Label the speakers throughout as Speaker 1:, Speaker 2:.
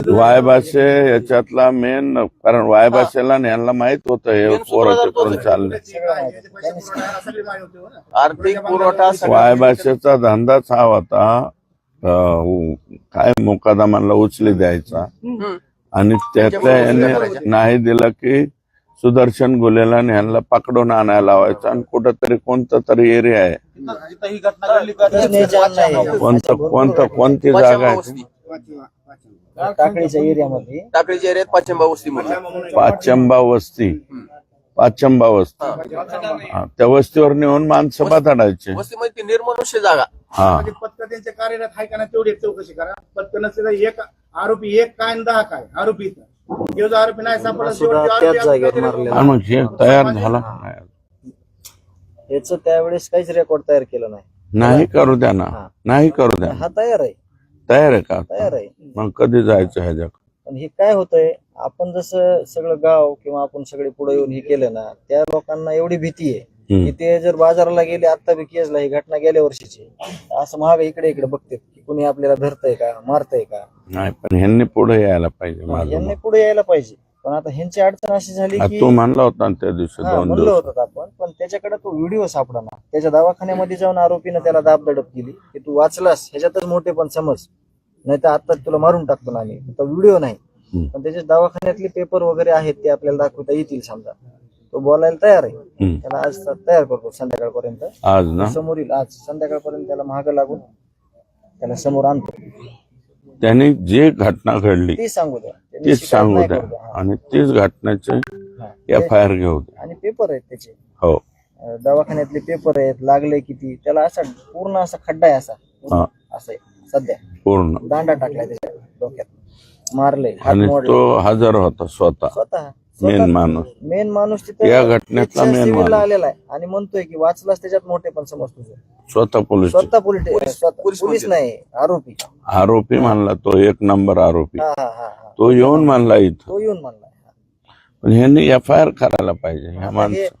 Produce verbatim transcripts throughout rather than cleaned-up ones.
Speaker 1: वायभाषे याच्यातला मेन, कारण वायभाषेला यांना माहित होतं हे पोरं तिकडून चालले.
Speaker 2: आर्थिक पुरवठा
Speaker 1: वायभाषेचा धंदाच हा होता, अं, काय मुकादमाला उचली द्यायचा आणि त्यातल्या याने नाही दिलं की सुदर्शन गुलेला यांना पकडून आणायला लावायचं आणि कुठंतरी कोणतं तरी एरिया आहे, कोणतं कोणतं कोणती जागा आहे
Speaker 3: टाकळीच्या एरियामध्ये,
Speaker 2: टाकळीच्या एरियात पाचंबा वस्ती,
Speaker 1: पाचंबा वस्ती, पाचंबा वस्ती, हा त्या वस्तीवर नेऊन माणसं बाताडायचे.
Speaker 2: वस्तीमध्ये निर्मनुष्य जागा.
Speaker 1: हा
Speaker 4: पथक त्यांच्या कार्यरत आहे का नाही तेवढी चौकशी करा. पथक नसेल एक आरोपी एक काय आणि दहा काय आरोपी जो जो आरोपी नाही सापडला
Speaker 1: मग हे तयार झाला
Speaker 3: याच त्यावेळेस काहीच रेकॉर्ड तयार केलं नाही.
Speaker 1: नाही करू द्या ना, नाही करू द्या.
Speaker 3: हा तयार आहे,
Speaker 1: तयार आहे का?
Speaker 3: तयार आहे.
Speaker 1: मग कधी जायचं ह्याच्या?
Speaker 3: पण हे काय होतंय, आपण जसं सगळं गाव किंवा आपण सगळे पुढे येऊन हे केलं ना, त्या लोकांना एवढी भीती आहे की ते जर बाजाराला गेले, आता बी केसला ही घटना गेल्या वर्षीची, असं महाग इकडे इकडे बघते की कुणी आपल्याला धरतय का, मारतय का.
Speaker 1: नाही पण ह्यांनी पुढे यायला पाहिजे,
Speaker 3: यांनी पुढे यायला पाहिजे. पण आता ह्यांची अडचण अशी झाली की
Speaker 1: तू म्हणला होता त्या दिवशी दोन
Speaker 3: म्हणलं होतं आपण, पण त्याच्याकडे तो व्हिडिओ सापडा. त्याच्या दवाखान्यामध्ये जाऊन आरोपीनं त्याला दाब दडप केली की तू वाचलास ह्याच्यातच मोठे पण समज, नाही तर आता तुला मारून टाकतो ना आम्ही. तो व्हिडिओ नाही, पण त्याच्या दवाखान्यातले पेपर वगैरे आहेत ते आपल्याला दाखवता येतील. समजा तो बोलायला तयार आहे, त्याला आज तयार करतो संध्याकाळपर्यंत.
Speaker 1: आज ना
Speaker 3: समोर येईल, आज संध्याकाळपर्यंत त्याला महाग लागून त्याला समोर आणतो.
Speaker 1: त्यांनी जे घटना घडली
Speaker 3: ती सांगू द्या,
Speaker 1: तीच सांगू द्या आणि तीच घटनेचे एफ आय आर घेऊ द्या.
Speaker 3: आणि पेपर आहेत त्याचे,
Speaker 1: हो
Speaker 3: दवाखान्यातले पेपर आहेत, लागले किती त्याला. असा पूर्ण असा खड्डा आहे, असा असं आहे सध्या,
Speaker 1: पूर्ण
Speaker 3: दांडा टाकलाय त्याच्या डोक्यात, मारले.
Speaker 1: आणि तो हजर होता स्वतः,
Speaker 3: स्वतः
Speaker 1: मेन माणूस,
Speaker 3: मेन माणूस तिथे
Speaker 1: या घटनेतला मेन माणूस
Speaker 3: आलेला आहे आणि म्हणतोय की वाचलाच त्याच्यात मोठे पण समज तुझं.
Speaker 1: स्वतः पोलीस,
Speaker 3: स्वतः पोलीस पोलीस नाही, आरोपी
Speaker 1: आरोपी मानला तो, एक नंबर आरोपी.
Speaker 3: हा हा हा
Speaker 1: तो येऊन मानला इथं,
Speaker 3: तो येऊन मानला.
Speaker 1: पण ह्यांनी एफ आय आर करायला पाहिजे ह्या माणसं.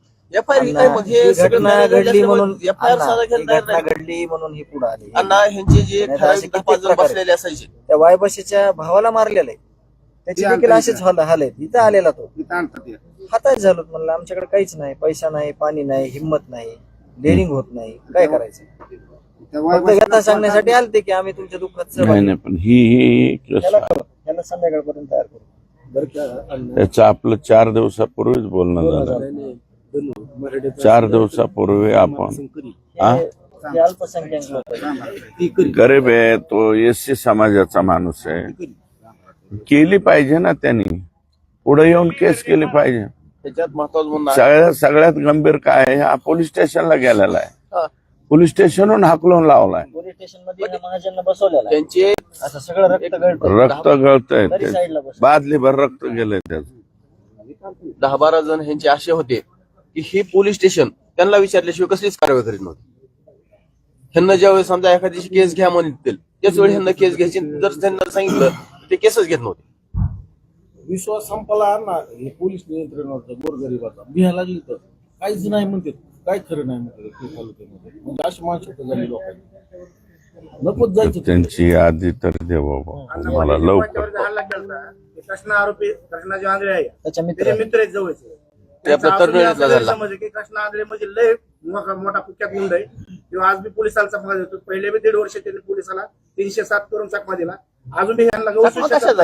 Speaker 3: घटना घडली म्हणून घटना घडली म्हणून ही पुढे आली.
Speaker 2: अण्णा ह्यांचे जे बसलेले असायचे,
Speaker 3: त्या वायबशीच्या भावाला मारलेलं आहे, त्याची देखील असेच हाल आहेत. इथं आलेला तो हातात झालो, म्हणलं आमच्याकडे काहीच नाही, पैसा नाही, पाणी नाही, हिंमत नाही, डेअरिंग होत नाही, काय करायचं. व्यथा सांगण्यासाठी आलते की आम्ही तुमच्या दुःखात
Speaker 1: नाही नाही, पण ही ही
Speaker 3: त्याला संध्याकाळपर्यंत तयार करू.
Speaker 1: त्याचं आपलं चार दिवसापूर्वीच बोलणं झालं. चार दिवसापूर्वी आपण
Speaker 3: अल्पसंख्याक लोक,
Speaker 1: गरीब आहे तो, एससी समाजाचा माणूस आहे, केली पाहिजे ना त्यांनी, पुढे येऊन केस केली पाहिजे.
Speaker 2: त्याच्यात महत्वाचं
Speaker 1: सगळ्यात सगळ्यात गंभीर काय आहे, हा पोलीस स्टेशनला गेलेला आहे, पोलीस स्टेशनहून हाकलून लावलाय,
Speaker 3: पोलीस स्टेशन मध्ये महाजनला बसवलेला आहे.
Speaker 2: त्यांचे
Speaker 3: असं सगळं रक्त गळतं,
Speaker 1: रक्त गळतंय,
Speaker 3: साईडला बस
Speaker 1: बादली भर रक्त गेलंय त्याचं.
Speaker 2: दहा बारा जण ह्यांचे असे होते की हे पोलीस स्टेशन त्यांना विचारल्याशिवाय कसलीच कारवाई करीत नव्हती. ह्यांना ज्यावेळेस समजा एखाद्याची केस घ्या म्हणतील त्याच वेळी ह्यांना केस घ्यायची, जर त्यांना सांगितलं ते केसच घेत नव्हते.
Speaker 5: विश्वास संपला ना, हे पोलीस नियंत्रणावरचं गोरगरिबाचा बिहा लागली तर काहीच नाही म्हणते, काय खरं नाही म्हणते. म्हणजे अशी मानसिकता झाली लोकांनी, नकोच जायचं.
Speaker 1: त्यांची यादी तर दे बाबा मला लवकर.
Speaker 4: कृष्णा आरोपी कृष्णा जे आंधळे आहे
Speaker 3: त्याच्या
Speaker 4: त्याचे मित्र आहेत जवळचे.
Speaker 2: ते आपल्या तरुणाईतला झाला.
Speaker 4: समज की कृष्णा आंधळे म्हणजे लय मोठा मोठा कुख्यात मुंड आहे. किंवा आज बी पोलिसाला चकमा देतो, पहिले बी दीड वर्ष त्यांनी पोलिसाला तीनशे सात करून चकमा दिला. अजून बी ह्यांना
Speaker 2: बरोबर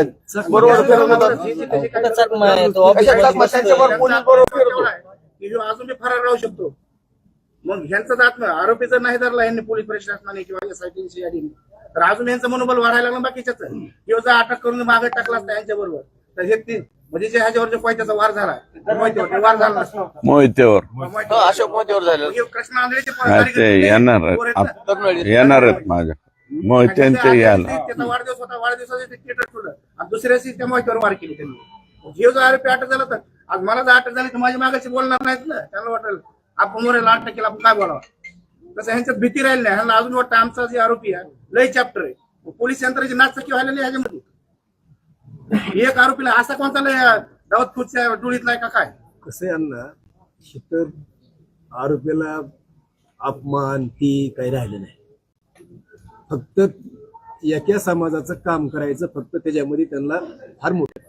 Speaker 4: अजून बी फरार राहू शकतो. मग ह्यांचाच आत्मा आरोपी जर नाही धरला यांनी पोलीस प्रशासनाने किंवा एसआयटीची यादीने, तर अजून यांचं मनोबल वाढायला लागलं बाकीच्याच. किंवा जर अटक करून मागे टाकला असता यांच्या बरोबर, तर हे तीन म्हणजे जे ह्याच्यावर जो कोयत्याचा वार झाला, मोहितेवर वार झाला नसतो,
Speaker 1: मोहितेवर
Speaker 2: अशोक मोहितेवर झालेला.
Speaker 4: कृष्णा आंधळेचे
Speaker 1: ते येणार येणार आहेत माझ्या मोहित्यांचे याला.
Speaker 4: त्याचा वाढदिवस होता, वाढदिवसाचे थिएटर ठेवलं आणि दुसऱ्या दिवशी त्या मोहितेवर वार केली त्यांनी. जीव जर आरोपी अटक झाला तर आज मला जर अटक झाली तर माझ्या मागाशी बोलणार नाहीत ना. त्यांना वाटेल आपण मोरेला अटक केला, आपण काय बोलावं. तसं ह्यांच्यात भीती राहिली नाही. ह्यांना अजून वाटतं आमचा जे आरोपी आहे लय चॅप्टर आहे. पोलीस यंत्राची नाचकी व्हायला नाही ह्याच्यामध्ये. एक आरोपीला असा कोणता लय दावत खुर्च्या डोळीतला का काय.
Speaker 5: कसं यांना तर आरोपीला अपमान ती काही राहिलं नाही. फक्त
Speaker 6: एका समाजाचं काम करायचं फक्त त्याच्यामध्ये त्यांना फार मोठं